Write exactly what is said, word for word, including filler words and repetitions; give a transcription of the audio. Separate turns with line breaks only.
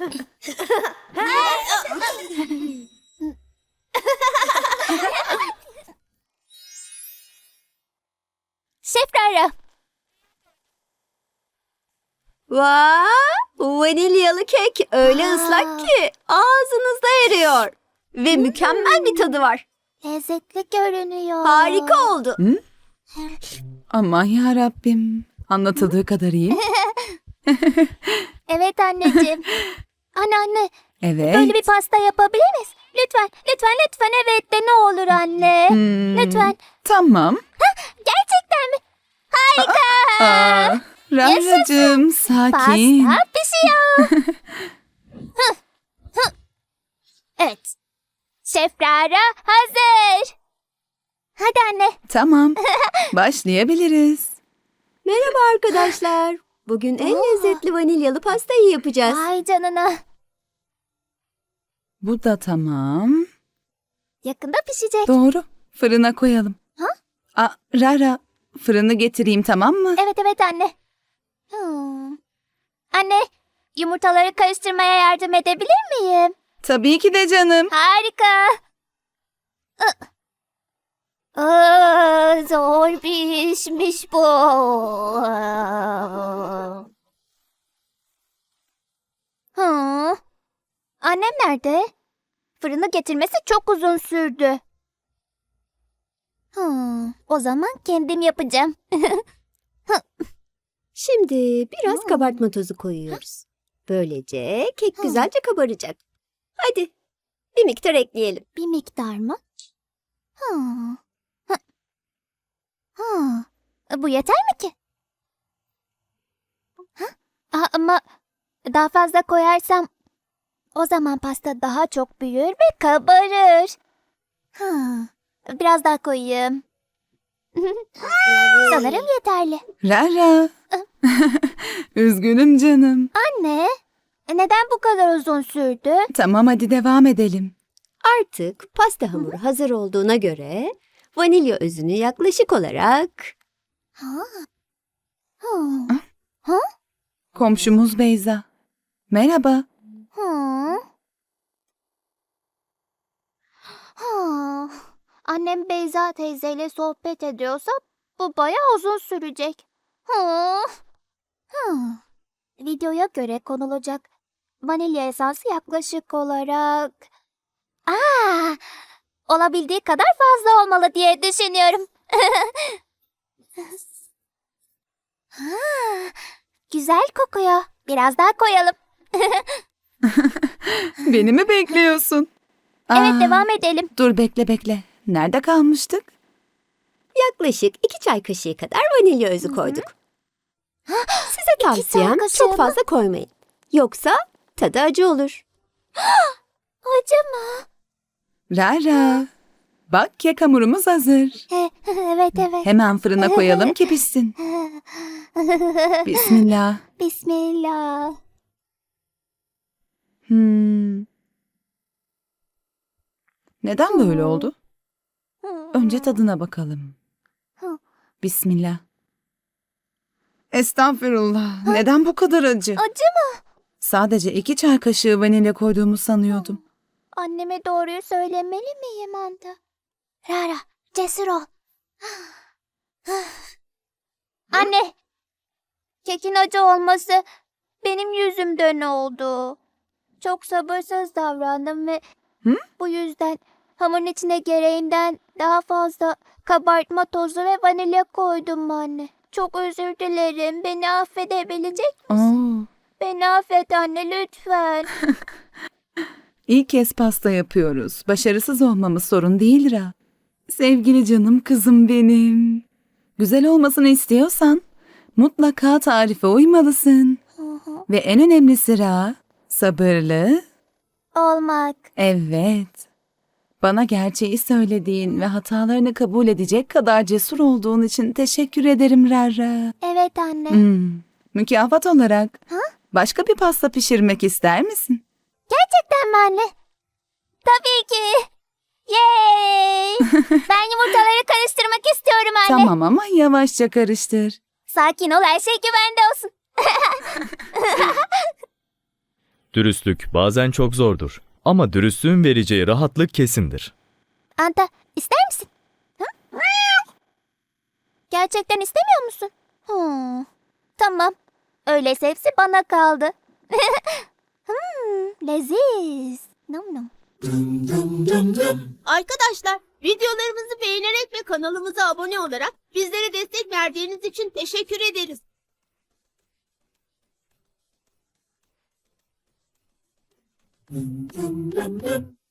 Şef Rara.
Vay! Vanilyalı kek öyle
Aa.
ıslak ki ağzınızda eriyor. Ve mükemmel bir tadı var.
Lezzetli görünüyor.
Harika oldu.
Aman ya Rabbim. Anlatıldığı kadar iyi.
Evet anneciğim. Anne anne.
Evet.
Böyle bir pasta yapabilir miyiz? Lütfen, lütfen, lütfen evet de ne olur anne.
Hmm,
Lütfen.
Tamam.
Gerçekten mi? Harika.
Aa, Rara'cığım sakin.
Pasta pişiyor. Hı, hı. Evet. Şef Rara hazır. Hadi anne.
Tamam. Başlayabiliriz.
Merhaba arkadaşlar. Bugün en lezzetli vanilyalı pastayı yapacağız.
Ay canına.
Bu da tamam.
Yakında pişecek.
Doğru. Fırına koyalım.
Ha?
Aa, Rara, fırını getireyim tamam mı?
Evet evet anne. Hmm. Anne, yumurtaları karıştırmaya yardım edebilir miyim?
Tabii ki de canım.
Harika. Ih. Aa, zor bir işmiş bu. Hı. Annem nerede? Fırını getirmesi çok uzun sürdü. Hı. O zaman kendim yapacağım.
Şimdi biraz kabartma tozu koyuyoruz. Böylece kek güzelce kabaracak. Hadi bir miktar ekleyelim.
Bir miktar mı? Hı. Hı. Hı. Bu yeter mi ki? Hı? Aa, ama daha fazla koyarsam o zaman pasta daha çok büyür ve kabarır. Hı. Biraz daha koyayım. Sanırım yeterli.
Rara. Üzgünüm canım.
Anne, neden bu kadar uzun sürdü?
Tamam hadi devam edelim.
Artık pasta hamuru hazır olduğuna göre vanilya özünü yaklaşık olarak
Ha. Hı.
Komşumuz Beyza. Merhaba.
Hı. Hı. Annem Beyza teyzeyle sohbet ediyorsa bu bayağı uzun sürecek. Hı. Hı. Videoya göre konulacak vanilya esansı yaklaşık olarak... Aa, olabildiği kadar fazla olmalı diye düşünüyorum. Ha, güzel kokuyor. Biraz daha koyalım.
Beni mi bekliyorsun?
Evet
Aa,
devam edelim.
Dur bekle bekle. Nerede kalmıştık?
yaklaşık iki çay kaşığı kadar vanilya özü koyduk. Size tavsiyem
çay kaşığı
çok
mı?
fazla koymayın. Yoksa tadı acı olur.
Acı mı?
Rara. Bak kek hamurumuz hazır.
Evet evet.
Hemen fırına koyalım ki pişsin. Bismillah.
Bismillah.
Hmm. Neden böyle oldu? Önce tadına bakalım. Bismillah. Estağfurullah. Neden bu kadar acı?
Acı mı?
Sadece iki çay kaşığı vanilya koyduğumu sanıyordum.
Anneme doğruyu söylemeli miyim Anda? Rara, cesur ol. Anne, kekin acı olması benim yüzümden oldu. Çok sabırsız davrandım ve
Hı?
bu yüzden hamurun içine gereğinden daha fazla kabartma tozu ve vanilya koydum anne. Çok özür dilerim. Beni affedebilecek misin?
Oo,
Beni affet anne lütfen.
ilk kez pasta yapıyoruz. Başarısız olmamız sorun değil Ra. Sevgili canım kızım benim. Güzel olmasını istiyorsan mutlaka tarife uymalısın. Ve en önemlisi Ra, sabırlı.
Olmak.
Evet. Bana gerçeği söylediğin ve hatalarını kabul edecek kadar cesur olduğun için teşekkür ederim Rara.
Evet anne.
Hmm, mükafat olarak başka bir pasta pişirmek ister misin?
Gerçekten mi anne? Tabii ki. Yay! Ben yumurtaları karıştırmak istiyorum anne.
Tamam ama yavaşça karıştır.
Sakin ol her şey güvende olsun.
Dürüstlük bazen çok zordur. Ama dürüstlüğün vereceği rahatlık kesindir.
Anta, ister misin? Hı? Gerçekten istemiyor musun? Hmm, tamam. Öyleyse hepsi bana kaldı. hmm, leziz. Nom nom.
Arkadaşlar, videolarımızı beğenerek ve kanalımıza abone olarak bizlere destek verdiğiniz için teşekkür ederiz.